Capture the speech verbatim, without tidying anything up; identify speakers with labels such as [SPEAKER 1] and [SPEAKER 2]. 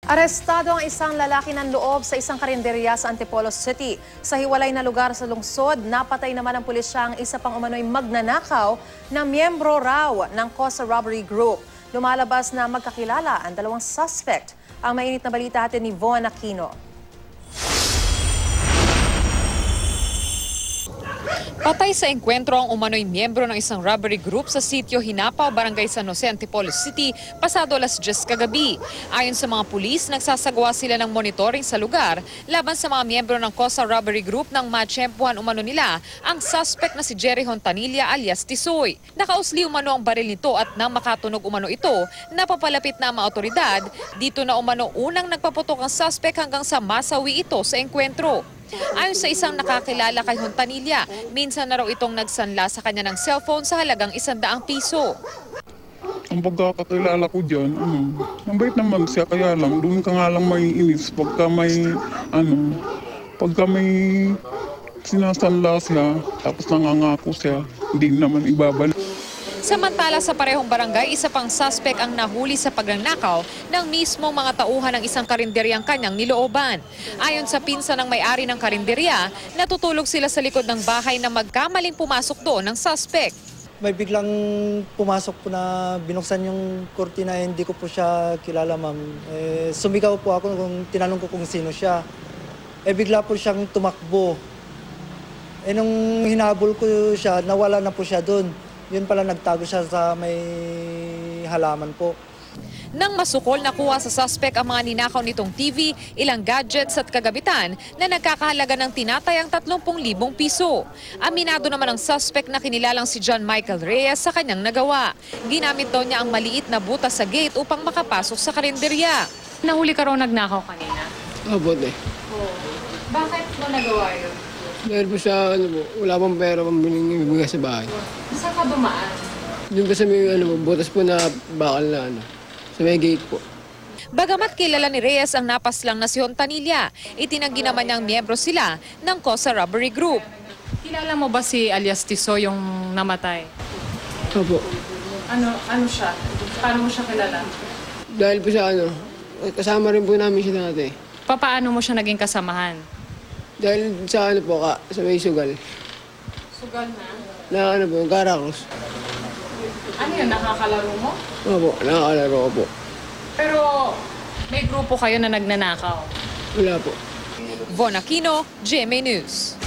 [SPEAKER 1] Arestado ang isang lalaki ng loob sa isang karinderya sa Antipolo City. Sa hiwalay na lugar sa lungsod, napatay naman ng pulisya ang isa pang umano'y magnanakaw na miyembro raw ng Cosa Robbery Group. Lumalabas na magkakilala ang dalawang suspect. Ang mainit na balita atin ni Von Aquino.
[SPEAKER 2] Patay sa engkwentro ang umano'y miyembro ng isang robbery group sa sitio Hinapaw, Barangay San Jose, Antipolo City, pasado alas diyes kagabi. Ayon sa mga pulis, nagsasagawa sila ng monitoring sa lugar laban sa mga miyembro ng Cosa Robbery Group nang matsyempuhan umano nila ang suspect na si Jerry Hontanilla alias Tisoy. Nakausli umano ang baril nito at nang makatunog umano ito, napapalapit na ang mga otoridad. Dito na umano unang nagpaputok ang suspect hanggang sa masawi ito sa engkwentro. Ayon sa isang nakakilala kay Hontanilla, minsan na raw itong nagsanla sa kanya ng cellphone sa halagang isandaang piso.
[SPEAKER 3] Ang pagkakakilala ko dyan, ano, mabait naman siya, kaya lang, doon ka nga lang may inis pagka may, ano, pagka may sinasanla siya, tapos nangangako siya, hindi naman ibabalik.
[SPEAKER 2] Samantala sa parehong barangay, isa pang suspect ang nahuli sa pagnanakaw ng mismong mga tauhan ng isang karinderyang kanyang nilooban. Ayon sa pinsan ng may-ari ng karinderya, natutulog sila sa likod ng bahay na magkamaling pumasok doon ng suspect.
[SPEAKER 4] May biglang pumasok po na binuksan yung kurtina, hindi ko po siya kilala, ma'am. Eh, sumigaw po ako kung tinanong ko kung sino siya. Eh bigla po siyang tumakbo. Eh nung hinabol ko siya, nawala na po siya doon. Yun pala, nagtago siya sa may halaman po.
[SPEAKER 2] Nang masukol, nakuha sa suspect ang mga ninakaw nitong T V, ilang gadgets at kagabitan na nagkakahalaga ng tinatayang tatlumpung libong piso. Aminado naman ang suspect na kinilalang si John Michael Reyes sa kanyang nagawa. Ginamit daw niya ang maliit na butas sa gate upang makapasok sa karinderya.
[SPEAKER 5] Nahuli ka raw nagnakaw kanina?
[SPEAKER 6] Opo, eh.
[SPEAKER 5] Oo. Bakit mo nagawa yun?
[SPEAKER 6] Dahil po sa, ano po, wala pang pera pang binigay sa bahay.
[SPEAKER 5] Saan ka dumaan?
[SPEAKER 6] Doon po sa may, ano po, butas po na bakal na, ano, sa may gate po.
[SPEAKER 2] Bagamat kilala ni Reyes ang napaslang na si Hontanilla, itinanggi naman niyang miyembro sila ng Cosa Robbery Group.
[SPEAKER 5] Kilala mo ba si alias Tisoy yung namatay?
[SPEAKER 6] Opo.
[SPEAKER 5] Ano ano siya? Paano mo siya kilala?
[SPEAKER 6] Dahil po sa, ano, kasama rin po namin siya dati.
[SPEAKER 5] Paano mo siya naging kasamahan?
[SPEAKER 6] Dahil sa, ano po, ka, sa may sugal.
[SPEAKER 5] Sugal na?
[SPEAKER 6] Na, ano po, Garacross.
[SPEAKER 5] Ano yun? Nakakalaro mo?
[SPEAKER 6] Opo, nakakalaro ko po.
[SPEAKER 5] Pero may grupo kayo na nagnanakaw?
[SPEAKER 6] Wala po.
[SPEAKER 2] Von Aquino, G M A News.